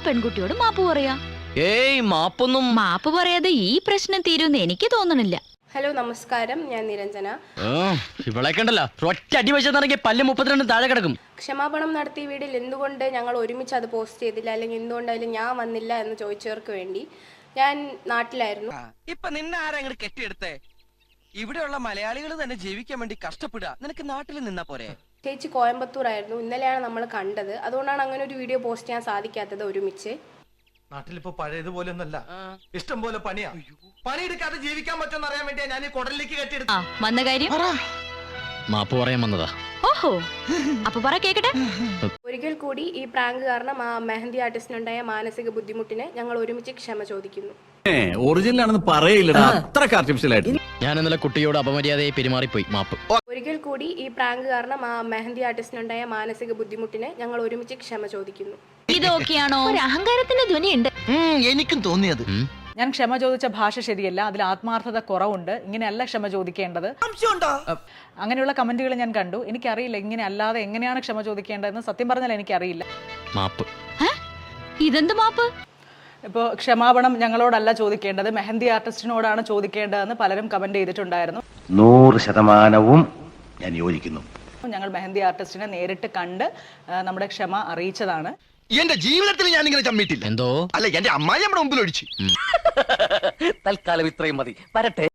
പെൺകുട്ടിയോട് മാപ്പ് പറയാ? ഏയ് മാപ്പൊന്നും. മാപ്പ് പറയാതെ ഈ പ്രശ്നം തീരുമെന്ന് എനിക്ക് തോന്നണില്ല. ഹലോ നമസ്കാരം, ഞാൻ നിരഞ്ജന. ഇവളെ കണ്ടല്ലോ, ഒറ്റ അടി വെച്ചെന്നിറങ്ങി പല്ല് 32 താഴെ കിടക്കും. ക്ഷമാപണം നടത്തിയ വീഡിയോയിൽ എന്തുകൊണ്ട് ഞങ്ങൾ ഒരുമിച്ച് അത് പോസ്റ്റ് ചെയ്തില്ല, അല്ലെങ്കിൽ എന്തുകൊണ്ടായാലും ഞാൻ വന്നില്ല എന്ന് ചോദിച്ചവർക്ക് വേണ്ടി. ഞാൻ നാട്ടിലായിരുന്നു. ഇപ്പൊ നിന്നെ ആരെങ്കിലും കെട്ടിയെടുത്തേ? ഇവിടെയുള്ള മലയാളികൾ തന്നെ ജീവിക്കാൻ വേണ്ടി കഷ്ടപ്പെടുക. നിനക്ക് നാട്ടിൽ നിന്നാ പോരെ? ചേച്ചി കോയമ്പത്തൂർ ആയിരുന്നു. ഇന്നലെയാണ് നമ്മൾ കണ്ടത്. അതുകൊണ്ടാണ് അങ്ങനെ ഒരു വീഡിയോ പോസ്റ്റ് ചെയ്യാൻ സാധിക്കാത്തത് ഒരുമിച്ച്. നാട്ടിലിപ്പോ പഴയതുപോലെ ഒന്നല്ല, ഇഷ്ടം പോലെ പണിയാ. പണിയെടുക്കാതെ ജീവിക്കാൻ പറ്റുമെന്ന് അറിയാൻ വേണ്ടിയാ ഞാൻ ഈ കുടലിലേക്ക് കെട്ടിയെടുത്തു. വന്ന കാര്യം മാപ്പ് പറയാൻ വന്നതാ. ഓഹോ, അപ്പൊ പറ കേക്കട്ടെ. ഒരിക്കൽ കൂടി ഈ പ്രാങ്ക് കാരണം ആ മെഹന്തി ആർട്ടിസ്റ്റിനുണ്ടായ മാനസിക ബുദ്ധിമുട്ടിനെ ഞങ്ങൾ ഒരുമിച്ച് ക്ഷമ ചോദിക്കുന്നു. ഒറിജിനൽ ആണെന്ന് പറയില്ലടാ, അത്രക്ക് ആർട്ടിഫിഷ്യൽ ആയിട്ട്. ഞാൻ ഇന്നലെ കുട്ടിയോട് അപമര്യാദയെ പെരുമാറിപ്പോയി, മാപ്പ്. ഒരിക്കൽ കൂടി ഈ പ്രാങ്ക് കാരണം ആ മെഹന്തി ആർട്ടിസ്റ്റിനുണ്ടായ മാനസിക ബുദ്ധിമുട്ടിനെ ഞങ്ങൾ ഒരുമിച്ച് ക്ഷമ ചോദിക്കുന്നു. ഇതൊക്കെയാണോ? ഒരു അഹങ്കാരത്തിന്റെ ധ്വനിയുണ്ട്. എനിക്കും തോന്നിയത്. ഞാൻ ക്ഷമ ചോദിച്ച ഭാഷ ശരിയല്ല, അതിൽ ആത്മാർത്ഥത കുറവുണ്ട്, ഇങ്ങനെയല്ല ക്ഷമ ചോദിക്കേണ്ടത്, അങ്ങനെയുള്ള കമന്റുകൾ ഞാൻ കണ്ടു. എനിക്കറിയില്ല ഇങ്ങനെ അല്ലാതെ എങ്ങനെയാണ് ക്ഷമ ചോദിക്കേണ്ടതെന്ന്. സത്യം പറഞ്ഞാൽ എനിക്കറിയില്ല. മാപ്പ്. ഇതെന്ത് മാപ്പ്? ഇപ്പോൾ ക്ഷമാപണം ഞങ്ങളോടല്ല ചോദിക്കേണ്ടത്, മെഹന്തി ആർട്ടിസ്റ്റിനോടാണ് ചോദിക്കേണ്ടതെന്ന് പലരും കമന്റ് ചെയ്തിട്ടുണ്ടായിരുന്നു. 100% ഞാൻ യോജിക്കുന്നു. ഞങ്ങൾ മെഹന്തി ആർട്ടിസ്റ്റിനെ നേരിട്ട് കണ്ട് നമ്മുടെ ക്ഷമ അറിയിച്ചതാണ്. എന്റെ ജീവിതത്തിൽ ഞാൻ ഇങ്ങനെ ചമ്മിട്ടില്ല. എന്തോ അല്ല, എന്റെ അമ്മായി നമ്മുടെ മുമ്പിൽ ഒഴിച്ചു. തൽക്കാലം ഇത്രയും മതി, വരട്ടെ.